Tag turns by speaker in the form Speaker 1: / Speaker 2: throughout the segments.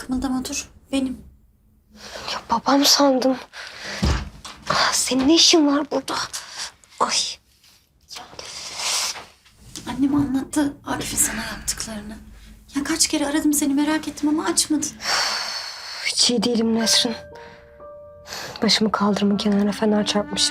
Speaker 1: Kımıldama dur. Benim.
Speaker 2: Ya babam sandım. Senin ne işin var burada? Ay.
Speaker 1: Annem anlattı Akif'in sana yaptıklarını. Ya kaç kere aradım seni merak ettim ama açmadın.
Speaker 2: Hiç iyi değilim Nesrin. Başımı kaldırımın kenarına fener çarpmışım.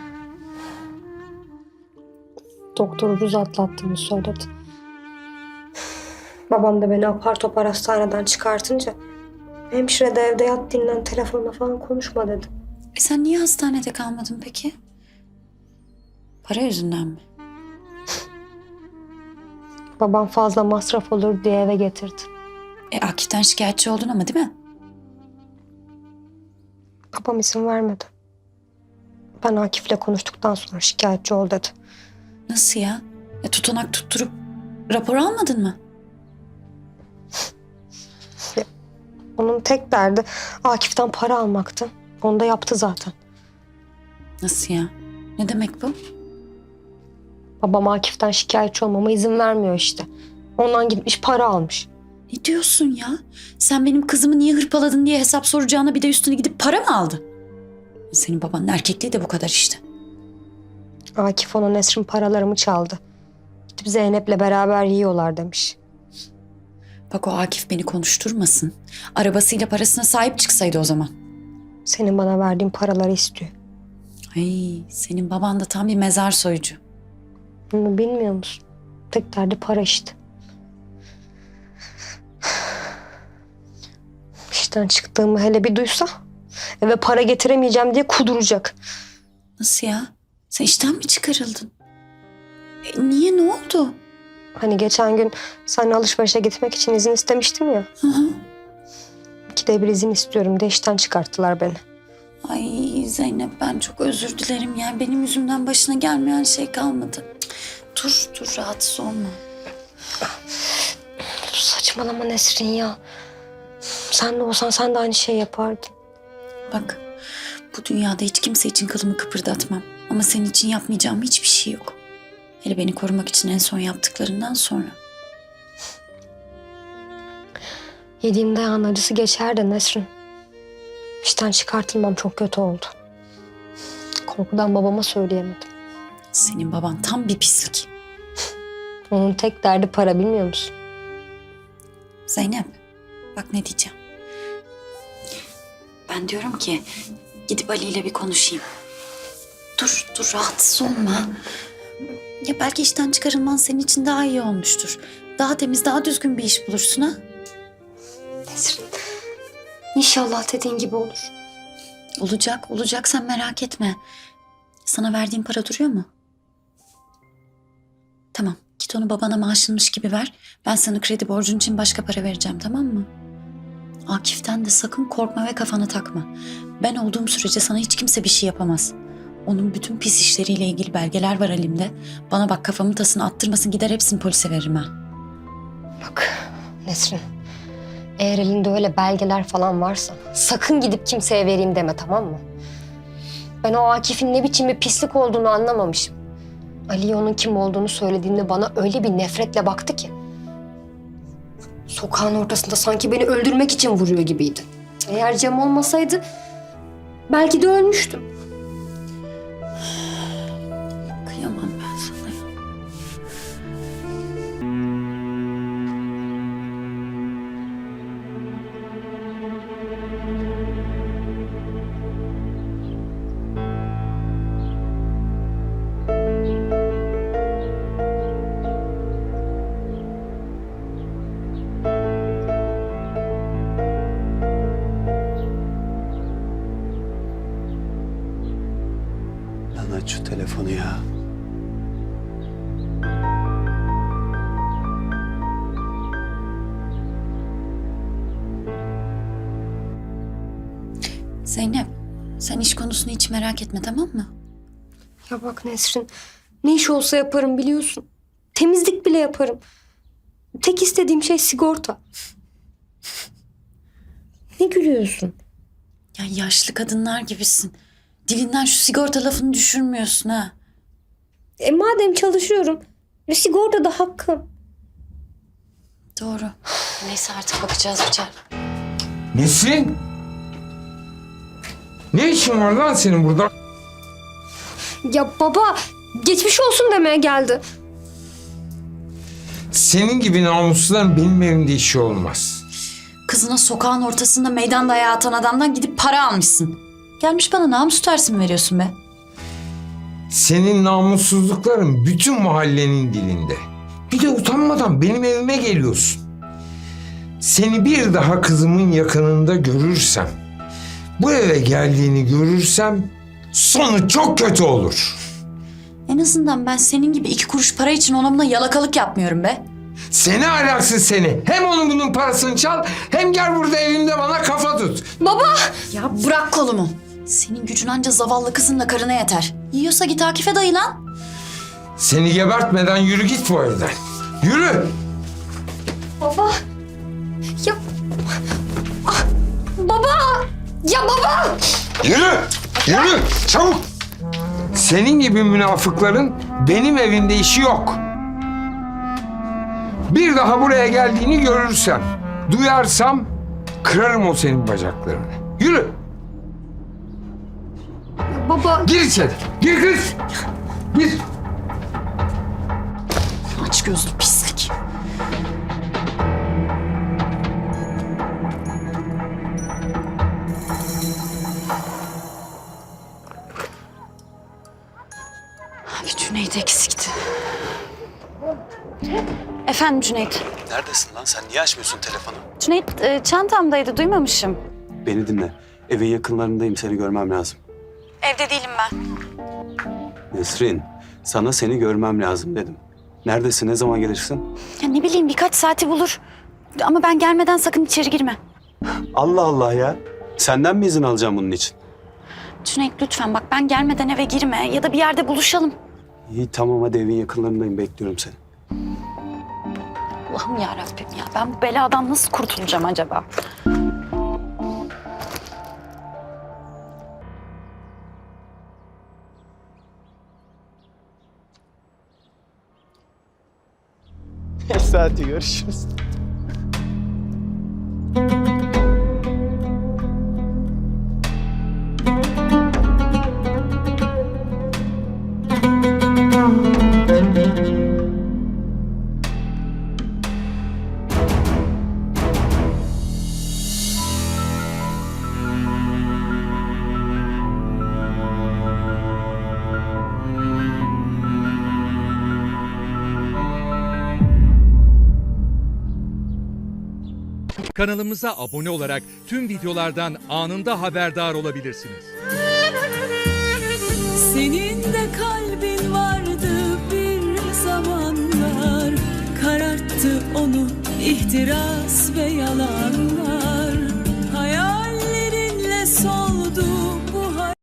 Speaker 2: Doktor ucuz atlattığını söyledi. Babam da beni apar topar hastaneden çıkartınca hemşire de evde yat dinlen, telefonla falan konuşma dedi.
Speaker 1: Sen niye hastanede kalmadın peki? Para yüzünden mi?
Speaker 2: Babam fazla masraf olur diye eve getirdi.
Speaker 1: Akif'ten şikayetçi oldun ama değil mi?
Speaker 2: Babam izin vermedi. Ben Akif'le konuştuktan sonra şikayetçi ol dedi.
Speaker 1: Nasıl ya? Tutanak tutturup rapor almadın mı?
Speaker 2: Onun tek derdi Akif'ten para almaktı. Onu da yaptı zaten.
Speaker 1: Nasıl ya? Ne demek bu?
Speaker 2: Babam Akif'ten şikayetçi olmama izin vermiyor işte. Ondan gitmiş para almış.
Speaker 1: Ne diyorsun ya? Sen benim kızımı niye hırpaladın diye hesap soracağına bir de üstüne gidip para mı aldı? Senin babanın erkekliği de bu kadar işte.
Speaker 2: Akif ona Nesrin paralarımı çaldı. Gidip Zeynep'le beraber yiyorlar demiş.
Speaker 1: Bak o Akif beni konuşturmasın. Arabasıyla parasına sahip çıksaydı o zaman.
Speaker 2: Senin bana verdiğin paraları istiyor.
Speaker 1: Ay senin baban da tam bir mezar soyucu.
Speaker 2: Bunu bilmiyor musun? Tek derdi para işte. İşten çıktığımı hele bir duysa eve para getiremeyeceğim diye kuduracak.
Speaker 1: Nasıl ya? Sen işten mi çıkarıldın? Niye, ne oldu?
Speaker 2: Hani geçen gün seninle alışverişe gitmek için izin istemiştim ya.
Speaker 1: Hı hı.
Speaker 2: 2'de 1 izin istiyorum diye işten çıkarttılar beni.
Speaker 1: Ay Zeynep ben çok özür dilerim ya. Benim yüzümden başına gelmeyen şey kalmadı. Dur rahatsız olma.
Speaker 2: Saçmalama Nesrin ya. Sen de olsan sen de aynı şey yapardın.
Speaker 1: Bak bu dünyada hiç kimse için kılımı kıpırdatmam. Ama senin için yapmayacağım hiçbir şey yok. Hele beni korumak için en son yaptıklarından sonra.
Speaker 2: Yediğim dayağın acısı geçer de Nesrin. İşten çıkartılmam çok kötü oldu. Korkudan babama söyleyemedim.
Speaker 1: Senin baban tam bir pislik.
Speaker 2: Onun tek derdi para, bilmiyor musun?
Speaker 1: Zeynep bak ne diyeceğim. Ben diyorum ki gidip Ali ile bir konuşayım. Dur rahatsız olma. Ya belki işten çıkarılman senin için daha iyi olmuştur. Daha temiz, daha düzgün bir iş bulursun ha.
Speaker 2: Nesrin, İnşallah dediğin gibi olur.
Speaker 1: Olacak sen merak etme. Sana verdiğim para duruyor mu? Tamam git onu babana maaşınmış gibi ver. Ben sana kredi borcun için başka para vereceğim, tamam mı? Akif'ten de sakın korkma ve kafana takma. Ben olduğum sürece sana hiç kimse bir şey yapamaz. Onun bütün pis işleriyle ilgili belgeler var elimde. Bana bak kafamın tasını attırmasın, gider hepsini polise veririm ha.
Speaker 2: Bak Nesrin, eğer elinde öyle belgeler falan varsa sakın gidip kimseye vereyim deme, tamam mı? Ben o Akif'in ne biçim bir pislik olduğunu anlamamışım. Ali'ye onun kim olduğunu söylediğinde bana öyle bir nefretle baktı ki. Sokağın ortasında sanki beni öldürmek için vuruyor gibiydi. Eğer Cem olmasaydı belki de ölmüştüm.
Speaker 1: Kıyamam ben sana ya.
Speaker 3: Lan aç şu telefonu ya.
Speaker 1: Zeynep sen iş konusunu hiç merak etme, tamam mı?
Speaker 2: Ya bak Nesrin, ne iş olsa yaparım biliyorsun. Temizlik bile yaparım. Tek istediğim şey sigorta. Ne gülüyorsun?
Speaker 1: Ya yaşlı kadınlar gibisin. Dilinden şu sigorta lafını düşürmüyorsun ha.
Speaker 2: Madem çalışıyorum ve sigorta da hakkım.
Speaker 1: Doğru. Neyse artık bakacağız Yücel.
Speaker 4: Nesrin? Ne işin var lan senin burada?
Speaker 2: Ya baba, geçmiş olsun demeye geldi.
Speaker 4: Senin gibi namusluların benim evimde işi olmaz.
Speaker 1: Kızına sokağın ortasında meydan dayağı atan adamdan gidip para almışsın. Gelmiş bana namus tersi mi veriyorsun be?
Speaker 4: Senin namussuzlukların bütün mahallenin dilinde. Bir de utanmadan benim evime geliyorsun. Seni bir daha kızımın yakınında görürsem, bu eve geldiğini görürsem sonu çok kötü olur.
Speaker 1: En azından ben senin gibi 2 kuruş para için onunla yalakalık yapmıyorum be.
Speaker 4: Seni ahlaksız seni. Hem onun bunun parasını çal hem gel burada evimde bana kafa tut.
Speaker 2: Baba!
Speaker 1: Ya bırak kolumu. Senin gücün anca zavallı kızınla karına yeter. Yiyorsa git Akif'e dayı lan.
Speaker 4: Seni gebertmeden yürü git bu evden. Yürü.
Speaker 2: Baba! Ya... Ah! Baba! Ya baba!
Speaker 4: Yürü. Yürü. Çabuk. Senin gibi münafıkların benim evimde işi yok. Bir daha buraya geldiğini görürsem, duyarsam kırarım o senin bacaklarını. Yürü.
Speaker 2: Baba!
Speaker 4: Gir içeri. Gir kız. Gir.
Speaker 1: Aç gözlü pislik. Abi Cüneyt eksikti. Efendim Cüneyt.
Speaker 3: Neredesin lan? Sen niye açmıyorsun telefonu?
Speaker 1: Cüneyt çantamdaydı duymamışım.
Speaker 3: Beni dinle. Evin yakınlarındayım. Seni görmem lazım.
Speaker 1: Evde değilim ben.
Speaker 3: Nesrin, sana seni görmem lazım dedim. Neredesin? Ne zaman gelirsin?
Speaker 1: Ya ne bileyim birkaç saati bulur. Ama ben gelmeden sakın içeri girme.
Speaker 3: Allah Allah ya. Senden mi izin alacağım bunun için?
Speaker 1: Cüneyt lütfen bak ben gelmeden eve girme ya da bir yerde buluşalım.
Speaker 3: İyi tamam hadi evin yakınlarındayım. Bekliyorum seni.
Speaker 1: Allah'ım yarabbim ya ben bu beladan nasıl kurtulacağım acaba?
Speaker 3: Hadi görüşürüz.
Speaker 5: Kanalımıza abone olarak tüm videolardan anında haberdar olabilirsiniz.
Speaker 6: Senin de kalbin vardı bir zamanlar, kararttı onu ihtiras ve yalanlar. Hayallerinle soldu